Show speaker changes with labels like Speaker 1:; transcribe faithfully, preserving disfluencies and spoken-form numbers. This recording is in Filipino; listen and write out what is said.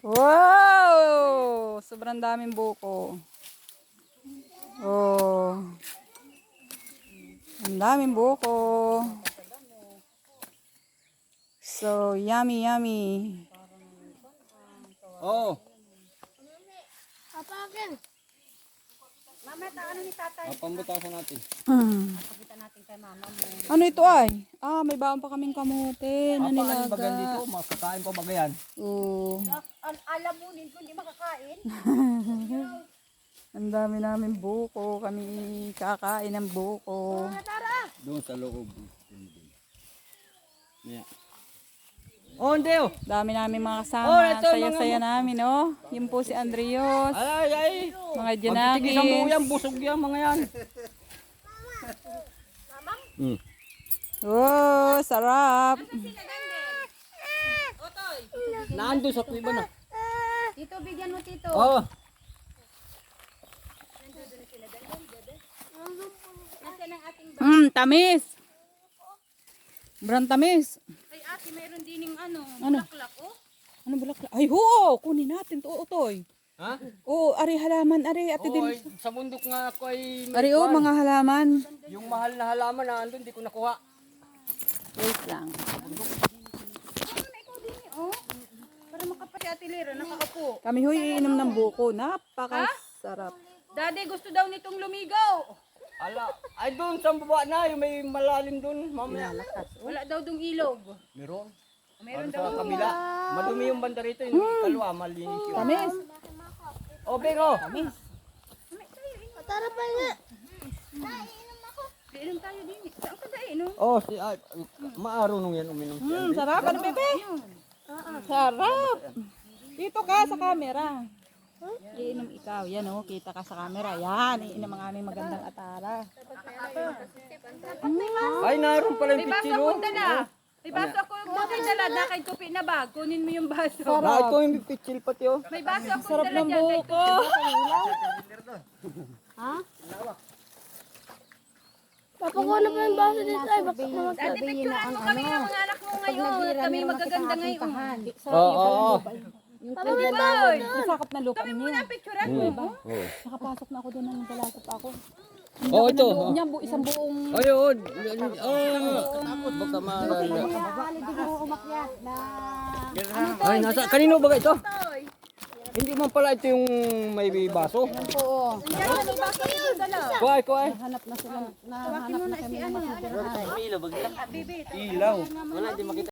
Speaker 1: Wow! Sobrang daming buko. Oh. Ang daming buko. So, yummy, yummy.
Speaker 2: Oh.
Speaker 3: Papakin. Mamaya ano ni tatay?
Speaker 2: Ah, pambutasan natin.
Speaker 1: Mm.
Speaker 3: Pakita natin kay mama mo.
Speaker 1: Ano ito ay? Ah, may baon pa kaming kamote na
Speaker 2: Apa, ano ba
Speaker 1: nilaga.
Speaker 2: dito? Makakain pa ba yan?
Speaker 1: Oh.
Speaker 3: Al alam mo din kung di makakain.
Speaker 1: Ang dami namin buko. Kami kakain ng buko.
Speaker 3: Tara.
Speaker 2: Doon sa loob. Yeah. Oh, hindi oh.
Speaker 1: Dami namin mga
Speaker 2: Oh,
Speaker 1: kasama.
Speaker 2: ito,
Speaker 1: Saya-saya namin, oh. Yun po si Andrios.
Speaker 2: Ay, ay.
Speaker 1: Mga
Speaker 2: Pagtitigis ang buo yan,
Speaker 1: Janakis.
Speaker 2: busog yan mga yan. Hmm.
Speaker 1: Oh, sarap.
Speaker 2: Naandun sa kuiba na.
Speaker 3: Tito, bigyan mo tito.
Speaker 2: Oh.
Speaker 3: Nasaan ang ating
Speaker 1: Mm, tamis. Brand tamis.
Speaker 3: ay ate, mayroon din yung ano,
Speaker 1: Ano?
Speaker 3: bulaklak oh.
Speaker 1: Ano bulaklak? Ay, oo. Kunin natin to, Otoy.
Speaker 2: Ha?
Speaker 1: Oo, ari halaman, ari. Ate
Speaker 2: Oh,
Speaker 1: din.
Speaker 2: ay, sa bundok nga ako ay may
Speaker 1: Ari, oh,
Speaker 2: kwan.
Speaker 1: mga halaman.
Speaker 2: Yung mahal na halaman na andun, di ko nakuha.
Speaker 1: Wait lang.
Speaker 3: Ano na ikaw din eh, oh. Para makapati ate Lera, nakakapo.
Speaker 1: Kami huy iinom ng buko. Napakasarap.
Speaker 3: Daddy, gusto daw nitong lumigaw.
Speaker 2: Ala, ay doon sa baba na, yung may malalim doon, mamaya.
Speaker 3: Wala daw dong ilog.
Speaker 2: Meron.
Speaker 3: Meron
Speaker 2: Sa
Speaker 3: daw.
Speaker 2: kabila. Madumi yung banda rito, yung kalwa, malinis yun.
Speaker 1: Tamis.
Speaker 2: O, Bengo.
Speaker 3: Tara pa nga. Inom tayo din. Saan ka da inom?
Speaker 2: Oh, si ay, maaro nung yan uminom. si
Speaker 1: Mm,
Speaker 2: Andre.
Speaker 1: sarap. Ano, bebe? Sarap. Dito ka sa camera. Iinom ikaw. Yan, oh. Kita ka sa camera. Yan. Iinom ang aming magandang atara.
Speaker 2: Ay, naroon pala yung
Speaker 3: May baso
Speaker 2: pichilo.
Speaker 3: akong dala. May baso ako yung dala. Nakay tupi na bag. Kunin mo yung baso.
Speaker 2: Na, ito yung pichil pati oh.
Speaker 3: May baso akong
Speaker 1: Sarap
Speaker 3: dala
Speaker 1: ng
Speaker 3: dyan. Kay
Speaker 1: buko.
Speaker 4: Papakuha pa yung baso dito ay baka naman
Speaker 3: Dati picturean mo kami ng mga anak mo ngayon. Kami magaganda ngayon.
Speaker 2: Oo, oo, oo.
Speaker 3: Boy!
Speaker 1: Masakap na lupa
Speaker 3: Kami
Speaker 1: niya.
Speaker 3: muna picturean mo.
Speaker 2: Oo.
Speaker 1: Nakapasok na ako doon ng dalasot ako.
Speaker 2: Oh, ito.
Speaker 1: Loob niya, bu isang buong...
Speaker 2: Ayun. Oh, baka maalala. Ay, nasa, kanino ba ito?
Speaker 3: Toy.
Speaker 2: Hindi man pala ito yung may baso.
Speaker 1: Oo.
Speaker 3: Diyan na may baso yung dala.
Speaker 2: Kuhay, kuhay.
Speaker 1: Hanap na sila.
Speaker 3: Tawakin mo na si ano.
Speaker 2: Ilaw. Wala, di makita.